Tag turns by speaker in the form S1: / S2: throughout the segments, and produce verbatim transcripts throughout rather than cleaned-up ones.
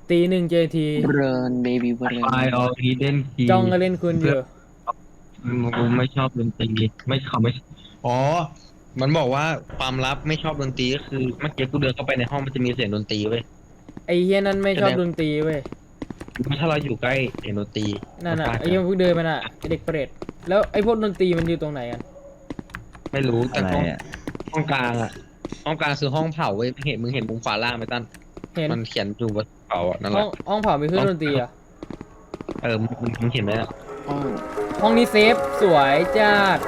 S1: ตีหนึ่งเจที
S2: เบรนเบบี้เบรน
S3: ไฟออริเดนที
S1: จ้องก็เล่นคุณอยู่
S3: กูไม่ชอบดนตรีไม่เขาไม่
S4: อ๋อมันบอกว่าความลับไม่ชอบดนตรีก็คือเมื่อกี้กูเดินเข้าไปในห้องมันจะมีเสียงดนตรีเว้ย
S1: ไอ้เฮียนั่นไม่ชอบดนตรีเว้ย
S4: ถ้าเราอยู่ใกล้เสียงดนตรี
S1: นั่นน่ะไอ้เฮียพวกเดินมาน่ะไอ้เด็กเปรตแล้วไอ้พวกดนตรีมันอยู่ตรงไหนกัน
S4: ไม่รู้แต่
S2: อะไร
S4: ห้อง
S2: อ่ะ
S4: ห้องกลางอะห้องกลางคือห้องเผาเว้ยเห็นมึงเห็นมุมขวาล่างไหมตั้น
S1: เห็น
S4: มันเขียนอยู่บนเผาอะนั่นแห
S1: ห้อ
S4: ละ
S1: งห้องเผามีเครื่องดนตรีเหรอ่ะ
S4: เออมึงมึงเห็นไหมอะ
S2: ห้อง
S1: ห้องนี้เซฟสวยจัด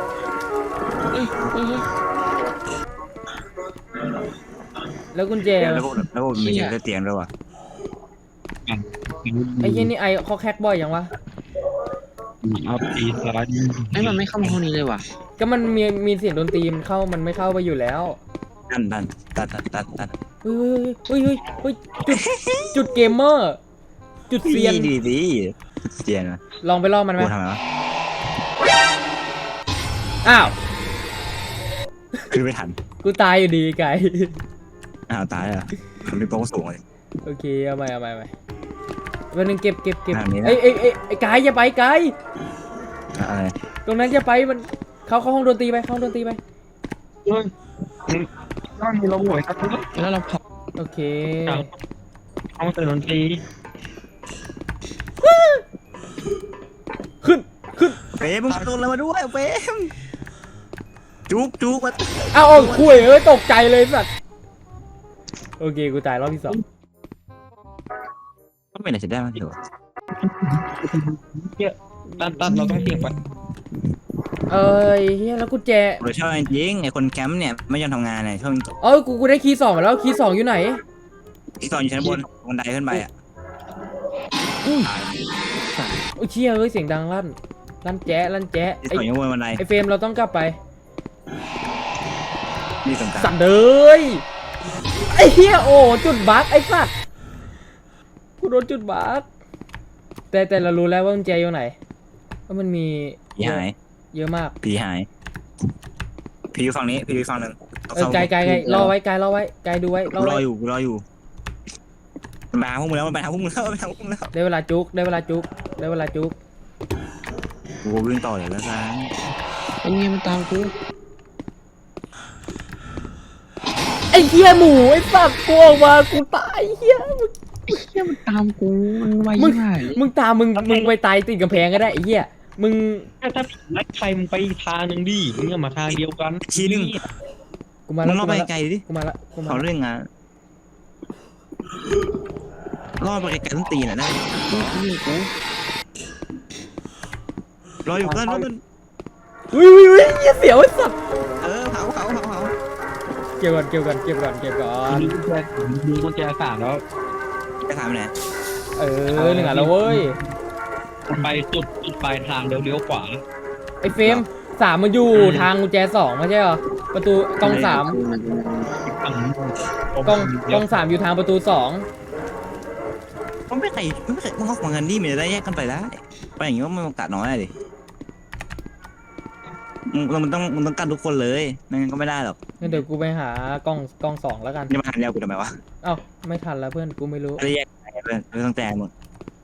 S1: แล้วกุญแจ
S5: แล้วพวกแล้วพวกมีเสียงเตียงด้วยวะ
S1: ไอ้เฮียนี่ไอเขาแคกบ่อยยังวะ
S3: เอาตีซ้าย
S2: ไอ้ยมันไม่เข้ามาห้องนี้เลยว่ะ
S1: ก็มันมีมีเสียงดนตรีมันเข้ามันไม่เข้าไปอยู่แล้ว
S5: ตันตันตันตันตันตัน
S1: เฮ้ยเฮ้ยเฮ้ยเฮ้ยเฮ้ยจุดจุดเกมเมอร์ จุดเซียน
S5: ดีดีเตียงนะ
S1: ลองไปล่อมันไหม
S5: กูทำไมวะ
S1: อ้าว
S5: คือไม่ทัน
S1: กูตายอยู่ดีไก่
S5: อ้าวตายอ่ะมันมีโป๊ะสูงเลย
S1: โอเคเอาไปเอาไปเอาไปวันหนึงเก็บเก็บเก็บ
S5: แบบนี้นะ
S1: ไอ้ไอ้ไอ้ไอ้ไก่อย่าไปไก่
S5: อะไร
S1: ตรงนั้นอย่าไปมันเข้าเข้าห้องดนตรีไปเข้าห้องดนตรีไป
S3: เฮ้ยก็มีลมหวยครับ
S2: แล้วเราเผา
S1: โอเค
S3: ห้องเสียงดนตรี
S1: ขึ้นขึ้น
S5: เฟมมึงตัวอะไรมาด้วยเฟมจุกจุกมา
S1: เอาเอาคุยเอ้ยตกใจเลยสัตว์โอเคกูตายรอบที่สอง
S5: ต้องเป็นอะไรจะได้มาเถอะ
S4: ตั้นตั้นเราต้องเสียงไป
S1: เอ้ยเฮียแล้วกุญแจ
S5: เราชอบจริงไอ้คนแคมป์เนี่ยไม่ยอมทำงานเนี่ยชอบ
S1: เอ้ยกูกูได้คีย์สองมาแล้วคีย์สองอยู่ไหน
S5: ที่ตอนอยู่ชั้นบนบันไดขึ้นไปอ่ะ
S1: โอ้ยเชี่ยเอ้ยเสียงดังลั่นลั่นแจ๊ะลั่นแจ๊ะ
S5: ที่
S1: ไอ้
S5: ตอนอยู่บนบันได
S1: ไอ้เฟรมเราต้องกลับไป
S5: นี่สำคัญ
S1: สัตว์เอ้ยไอ้เฮียโอ้จุดบั๊กไอ้สัตว์กูโดนจุดบั๊กแต่แต่เรารู้แล้วว่ากุญแจอยู่ไหนว่ามันมี
S5: ผีหาย
S1: เยอะมาก
S5: ผีหายผีอยู่ฝั่งนี้ผีอยู่ฝั่งหนึ่ง
S1: เออไกลไกลไกลรอไว้ไกลรอไว้ไกลดูไว้ร
S5: กู
S1: อ
S5: รอ
S1: ไว้
S5: อยู่กูรออยู่มันมาหาพวกมึงแล้วมันไปหาพวกมึงแล้วมันไปหาพวกมึงแล้ว
S1: ได้เวลาจุกได้เวลาจุกได้เวลาจุก
S5: กูวิ่งต่อเลยแล้วกัน
S2: ไอ้เนี่ยมันตามกู
S1: ไอ้เฮียหมูไอ้สัตว์กูออกมากูตายเฮียมึง
S2: ไอ้เหี้ยมันตามกูมันไว
S1: มึง
S2: ยิ่งไง
S1: มึงตามมึงมึงไปตายติดกำแพงก็ได้ไอ้เฮียมึง
S4: ถ้าถ้าผีไล่ใครมึงไปอีกทางหนึ่งดิมึงอย่ามาทางเดียวกัน
S5: ทีนึง
S1: กูมา
S5: มึ
S1: แล้ว
S5: งล่อ
S1: กู
S5: ไป
S1: มาแล้ว
S5: ไกลดิ
S1: กูมาแล้วกูมา
S5: เขา
S1: แล้ว
S5: เรื่องงานล่อไปไกลๆต้นตีนอ่ะได้
S2: กูนี่กู
S5: รออยู่เพื่อนรอมัน
S1: อุ้ยอุ้ยอุ้ยเหี้ยเสียวไอ้สัตว์
S5: เออเผาเผาเผาเผา
S1: เก็บก่อนเก็บก่อนเก็บก่อนเก็บก่อน
S3: มีกุญแจมีกุญแจสามแล้ว
S5: จะถามไปไหน
S1: เออหนึ่งอ่ะแล้วเว้ย
S3: ไปจุดจุดปลายทางเดี๋ยวเลี้ยวขวา
S1: ไอ้เฟรมสามมันอยู่ทางกุญแจสองไม่ใช่เหรอประตูกล้องสาม
S2: มัน
S3: ฝั่ง
S1: กล้องกล้องสามอยู่ทางประตูสอง
S5: มันไม่ใครมันไม่ใครมึงเอาของกันดิมันจะได้แยกกันไปได้ไปอย่างงี้ว่ามันโอกาสน้อยอะดิมึงมันต้องมันต้องกันทุกคนเลยไม่งั้นก็ไม่ได้หรอก
S1: งั้นเดี๋ยวกูไปหากล้องกล้องสองแล้วกัน
S5: จะมาหันเดียวกูทำไมวะ
S1: เอ้าไม่ทันแล้วเพื่อนกูไม่รู้
S5: จะได้แยกกันไปไม่ต้องแจกมึง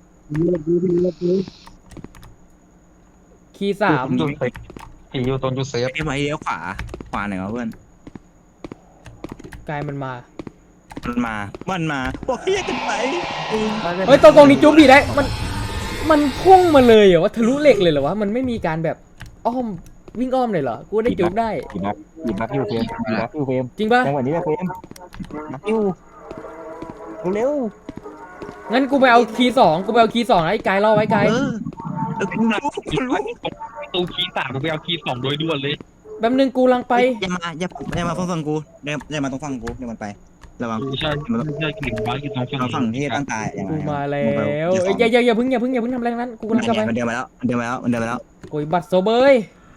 S1: คีย์สาม
S3: จุดเซฟผีอยู่ตรงจุดเซฟ
S5: ไอ้ไม้เลี้ยวขวาขวาไหนวะเพื่อน
S1: กายมันมา
S5: มันมามันมาบอกให้แยกกันไป
S1: เฮ้ยตรงตรงนี้จุ๊บดีได้ มัน มันพุ่งมาเลยเหรอว่าทะลุเหล็กเลยเหรอวะ มันไม่มีการแบบอ้อมวิ่งอ้อมเลยเหรอ กูได้จุ๊บได้
S6: หยิบบักหยิบบักอยู่เฟรมหยิบบักอยู่เฟรม
S1: จริงปะ
S6: จังหวะนี้แหละเฟรมบักอยู่เร็ว
S1: งั้นกูไปเอาคีย์สองกูไปเอาคีย์สองนะไอ้กายรอไว้กาย
S5: เออเออกูรู้กูรู้
S3: ประตูคีย์สามกูไปเอาคีย์สองโดยด่วนเลย
S1: แป๊บนึงกูลังไป
S5: อย่ามาอย่าอย่ามาฝั่งกูอย่าอย่ามาตรงฝั่งกูเดี๋ยวมันไประวัง
S3: ใช่ใช่กลิ่นบ้าอยู่ตรงฝั่ง
S5: เราฝั่งที่ตั้งตายอย่า
S1: กู
S5: มา
S1: มาแล้วเอ้ยอย่าอย่าอย่าเพึ่งอย่าเพึ่งอย่าเพึ่งทำอะไรทั้งนั้น กูกำลังกลับไป
S5: มันเดินมาแล้วมันเดินมาแล้วมันเดินมาแล้ว
S1: โอ้ยบัตรโซเบย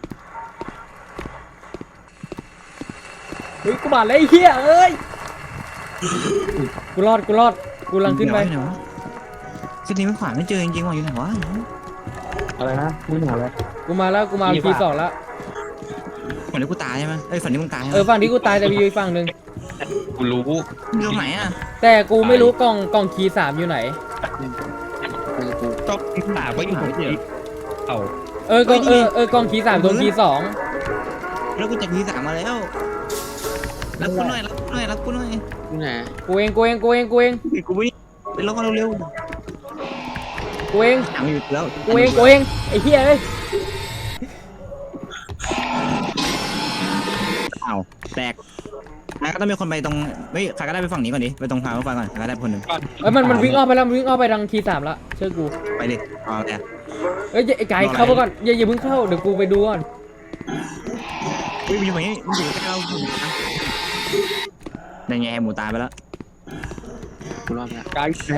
S1: เฮ้ยกูบาดเลยไอ้เหี้ยเอ้ย กูรอดกูรอด กูกำลังขึ้นไป
S5: ขึ้นนี้ไม่ขวาไม่เจอจริงๆว่ะอยู่ไหนวะ
S6: อะไรนะมึงหาอะไร
S1: กูมาแล้วกูมาเอาคีย์สองแล้ว
S5: ฝั่งนี้กูตายใช่ไหมเอ้ยฝั่งนี้มึงตายใช่ไห
S1: เอ
S5: ม
S1: อฝั่งที่กูตายแต่มีอยู่อีกฝั่งหนึ่ง
S4: กูรู้
S5: อยู่ตรงไหนอ่ะ
S1: แต่กูไม่รู้กล่องกล่องคีย์สามอยู่ไหน
S2: กูกู
S4: ต้องถามว่าอยู่ตรงไหนเอา
S1: เออกล่องเออเออกล่องคีย์สามกล่องคีย์สอง
S5: แล้วกูจากทีสามมาแล้วรับกูหน่อยรับกูหน่อยรับกูหน่อย
S2: กูไหน
S1: กูเองกูเองกูเองกูเอง
S5: ไอ้กูไม่ไปล็อกเร็ว
S1: กูเอง
S5: ๆถามอยู่แล้ว
S1: กูเองกูเองไอ้เหี้ยเอ้ย
S5: อ้าวแตกนายก็ต้องมีคนไปตรงเฮ้ยใครก็ได้ไปฝั่งนี้ก่อนดิไปตรงทางรถไฟก่อนใครก็ได้คนหนึ่ง
S1: เอ้ยมันมันวิ่งออกไปแล้วมันวิ่งออกไปทางคีย์สามละเชื่อกู
S5: ไปดิเอาแต่
S1: เอ้ยอย่าไอ้ไก่เข้าไปก่อนอย่าอย่าเพิ่งเข้าเดี๋ยวกูไปดูก่อน
S5: เฮ้ยมันอยู่ไหนมันอยู่ใกล้เราในไงหมูตายไปแล้ว
S2: กูรอบแล้ว
S3: กายเนี่ย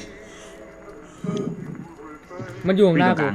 S1: มันอยู่ข้างหน้ากู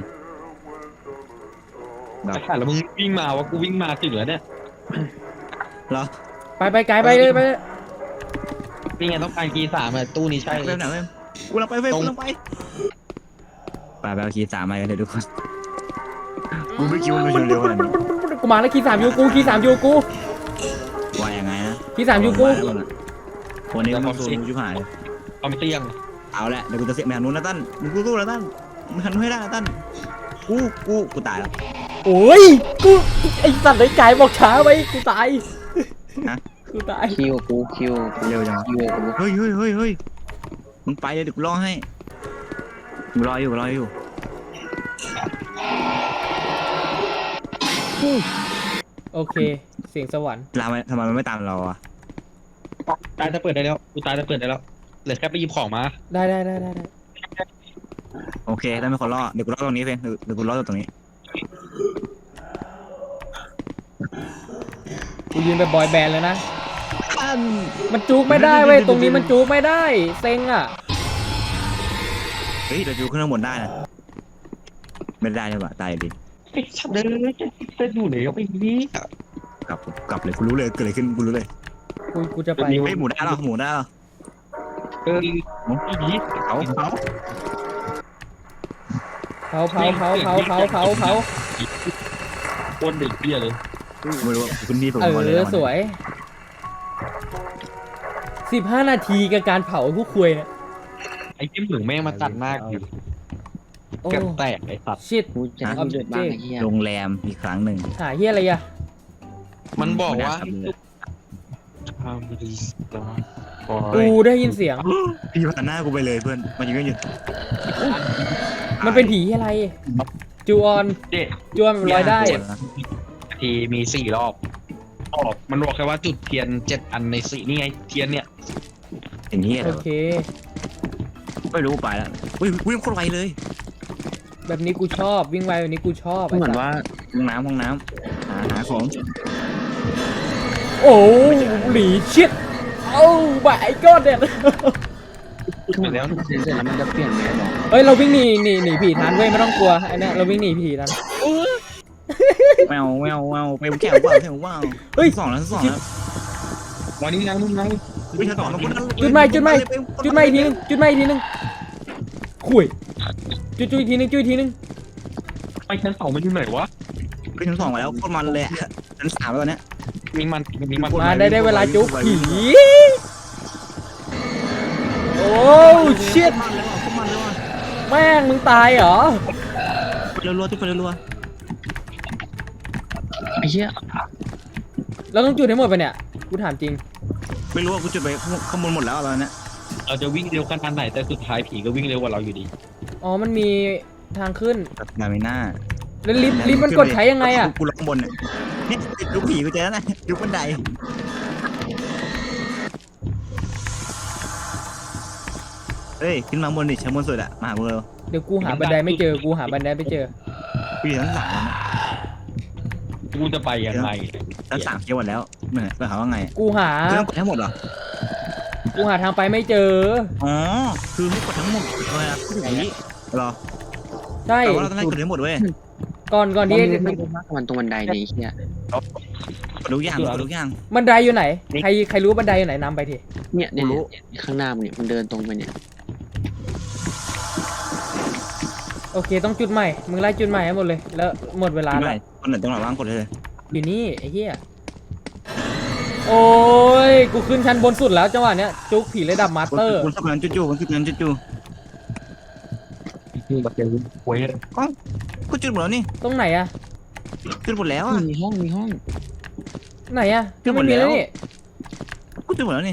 S4: แต่ขาดแล้วมึงวิ่งมาว่ากูวิ่งมาถึงแล้วเนี่ย
S5: เหรอ
S1: ไปไปไกลไปเลยไปเลย
S4: นี่ไงต้องการกีสามอะตู้นี้ใช่
S5: ไปไหนเว้ยกูลังไปเว้ยกูลังไปไปไปเอาคีย์สามมากันเดี๋ยวทุกคนกูไม่คิดว่ามันจะเร็วขนาดนี้
S1: กูมาแล้วคีย์สามอยู่กูคีย์สามอยู่กู
S5: ว่ายังไงนะ
S1: คีย์สามอยู่กู
S5: วันนี้มันโดนชิบหาย
S4: ความเตี้ยง
S5: เอาละเดี๋ยวกูจะเสียแมวนู้นนะตั้นมึงสู้ๆนะตั้นมึงหันให้ได้นะตั้นกูกูกูตายแล้ว
S1: โอ้ยกูไอ้สัตว์ไอ้ไก่บอกช้าไปกูตาย
S5: ฮะ
S1: กูตาย
S2: คิวกูคิวกู
S5: เร็วจัง
S2: คิวกู
S5: เฮ้ยเฮ้ยเฮ้ยเฮ้ยมึงไปเลยเดี๋ยวกูรอให้กูรออยู่กูรออยู่
S1: โอเคเสียงสวรรค์
S5: ลาทำไมมันไม่ตามเราอ่ะ
S4: ตายจะเปิดได้แล้วกูตายจะเปิดได้แล้วเหลือแค่ไปหยิบของมา
S1: ได้ได้ได้ได้ได้
S5: โอเคได้ไม่คนรอเดี๋ยวกูรอตรงนี้เองเดี๋ยวกูรอตรงนี้
S1: กูยืนแบบบอยแบนด์เลยนะมันจูกไม่ได้เว้ยตรงนี้มันจูกไม่ได้เซ็งอ่ะ
S5: เฮ้ยเราอยู่ขึ้นข้างบนได้นะไม่ได้เลยว่ะตายดิ
S4: ไอ้ชัดเลยจะอยู่ไหนก็ไปนี่
S5: กลับกลับเลยกูรู้เลยเกิดอะไรขึ้นกูรู้เลย
S1: กูกูจะไป
S5: เฮ้ยหมูได้หรอหมูได้หรอ
S4: เออไอ้ยี้
S5: เขาเขา
S1: เผาเผาเผาเผาเผาเผาเผา
S4: คนเด็กเบี้ยเลย
S5: ไม่รู้ว่าคุณนี่ผม
S1: เอ
S5: ก่อนเลย
S1: อสวยสิบห้านาทีกับการเผาผู้คุยเนี่ย
S4: ไอ้จิ้มหนึ่งแม่งมาตัดหน้ากู
S1: โอ้
S4: เกือบแตกไอ้สัตว์
S1: ชิต
S2: กูจะให้เดือดบ้างไอ้เหี้ย
S5: โรงแรมอีกครั้งหนึ่ง
S1: หาเฮียอะไรอ่ะ
S4: มันบอกว่า
S1: กูได้ยินเสียง
S5: พี่ผ่านหน้ากูไปเลยเพื่อนมันยืนอยู่
S1: มันเป็นผีอะไรจูออน
S4: เด็ก
S1: จูออนมันลอยได้
S4: ทีมีสี่รอบออกมันบอกแค่ว่าจุดเทียนเจ็ดอันในสี่นี่ไงเทียนเนี่ย
S5: อย่างนี้
S1: โอเค
S5: ไม่รู้ไปแล้วอุ้ยวิ่งโคตรไวเลย
S1: แบบนี้กูชอบวิ่งไวแบบนี้กูชอบ
S2: เหมือนว่า
S5: ห้องน้ำห้องน้ำหาหาของ
S1: โอ้หลีชิตโอ้บายก็เด็ด
S2: เหมือนว่าเสร็จแล้วมันจะเปลี่ยนแมสหรอ
S1: เฮ้ยเราวิ่งหนีหนีหนีผีทันเว้ยไม่ต้องกลัวไอ้เนี่ยเราวิ่งหนีผีทัน
S5: แมวแมวแมวไปแก้วว่าวแก้วว่าว
S1: เฮ้ย
S5: สองแล้วสองแล้ว
S4: วันนี้ยังมึงยัง
S5: วิ่งสองแล้ว
S1: จุดใหม่จุดใหม่จุดใหม่อีกทีนึงจุดใหม่อีกทีนึงขุยจุดจุดอีกทีนึงจุดอีกทีนึง
S4: ไปชั้นสองมันอยู่ไหนวะ
S5: วิ่งสองมาแล้วโคตรมันเลยชั้นสามแล้วเนี่ย
S4: มีมันมีมัน
S1: มาได้ได้เวลาจุกผีโอ้ชิต
S5: มันเลยว่ะโคตรมันเลยว่ะ
S1: แม่งมึงตายเหรอ
S5: ไปรัวๆทุกคนรัว
S2: ไอ้เหี้ย
S1: เราต้องจุดให้หมดไปเนี่ยกูถามจริง
S5: ๆไม่รู้ว่ากูจุดไปข้างบนหมดแล้วตอนนี้
S4: เราจะวิ่งเร็วขนาดไหนแต่สุดท้ายผีก็วิ่งเร็วกว่าเราอยู่ดี
S1: อ๋อมันมีทางขึ้น
S5: นามิน่า
S1: แล้วลิฟต์ลิฟต์มันกดใช้ยังไงอ่ะ
S5: กูล็อกบนเนี่ยนี่ลูกผีกูเจอแล้วนะลูกบันไดเอ้ยขึ้นมาบนดิชั้นบนสุดอะมาหากูเร็ว
S1: เดี๋ยวกูหาบันไดไม่เจอกูหาบันไดไม่เจอ
S5: กูอยู่ชั้นสามแล้วนะ
S4: กูจะไปยังไง
S5: ชั้นสามเคลียร์หมดแล้วเหนื่อยไปหาว่าไง
S1: กูหา
S5: เรื่องกดทั้งหมดเหรอ
S1: กูหาทางไปไม่เจอ
S5: อ๋อคือให้กดทั้งหมดเลยอะผีเหรอ
S1: ใช่
S5: แต่ว่าเราต้องให้กดทั้งหมดเว้ย
S1: ก่อนก่อน
S2: มัน
S1: ที่
S2: ไม่ได้มากกว่ามันตรงบันไดนี่เหี้ย
S5: กดทุกอย่างกดทุกอย่าง
S1: บันไดอยู่ไหนใครใครรู้บันไดอยู่ไหนนำไปที
S2: เนี่ยเนี่ย
S5: กูรู้
S2: เนี่ยข้างหน้ามึงเนี่ยมึงเดินตรงไปเนี่ย
S1: โอเคต้องจุดใหม่มึงไล่จุดใหม่ให้หมดเลยแล้วหมดเวลา
S5: ไม่
S1: แล้ว
S5: ตอนไหนตรงไหนว่างกดเลย
S1: อยู่นี่ไอ้เหี้ยโอ้ยกูขึ้นชั้นบนสุดแล้วจังหวะเนี้ยจุกผีระดับมาสเตอร์
S5: คุณสักนั้นจู่ๆคุณสักนั้นจู่
S4: คือแบบเจอหวย
S5: ๆก็กูจุดหมดแล้วนี่
S1: ตรงไหนอะ
S5: จุดหมดแล้วอ่ะ
S2: มีห้องมีห้อง
S1: ไหนอะ
S5: ขึ้นหม
S1: ไม่
S5: ด
S1: มี
S5: แล้
S1: แล้ว วนี่
S5: กูจุดหมดแล้วนี่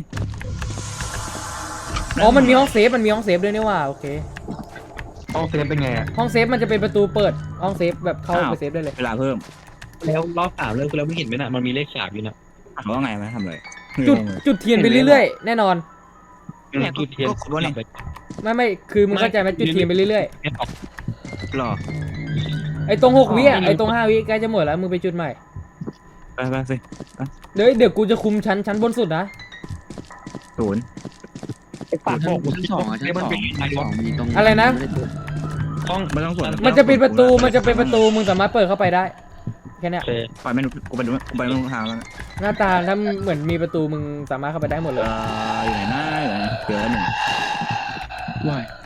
S1: อ๋อมันมีห้องเซฟมันมีห้องเซฟด้วยนี่ว่าโอเค
S4: ห้องเซฟเป็นไงอะ
S1: ห้องเซฟมันจะเป็นประตูเปิดห้องเซฟแบบเข้าไปเซฟได้เลย
S5: เวลาเพิ่ม
S4: แล้วรอบสามเริ่มแล้วไม่เห็นไหมน่ะมันมีเลขสามอยู่น่ะ
S5: ถามว่าไงมาทำเลย
S1: จุดจุดเทียนไปเรื่อยๆแน่นอน
S4: จุดเทียน
S5: ก็ขดว่านี่
S1: ไม่ไม่คือมึงเข้าใจไหมจุดเทียนไปเรื่อย
S5: หรอ
S1: ๆไอ้ตรงหกวิอะไอ้ตรงห้าวิใกล้จะหมดแล้วมึงไปจุดใหม่
S5: ไปไปสิ
S1: เดี๋ยวเดี๋ยวกูจะคุมชั้นชั้นบนสุดนะ
S5: ศูนย์
S4: ปากบอก
S2: ชั้นสองอ่ะชั้นสองชั้นสองมีตรง
S1: อะไรนะ
S4: ห้อง
S5: ไม่ต้องสวน
S1: มันจะเป็นประตูมันจะเป็นประตูมึงสามารถเปิดเข้าไปได้แค่เนี้ย
S4: โอเค
S5: ปล่อยไม่รู้กูไปดูกูไปดูทางแล้วนะ
S1: หน้าตาถ้าเหมือนมีประตูมึงสามารถเข้าไปได้หมดเล
S5: เอย ออยู่ไหนนะอยู่ไหนเจอหนึ่ง
S2: ว่าย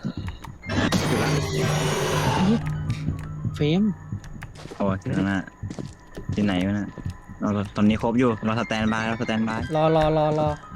S2: เฟรม
S5: โอ้ที่ข้างหน้าที่ไหนวะน่ะเราตอนนี้ครบอยู่เราสแตนบายเราสแตนบาย
S1: รอรอรอรอ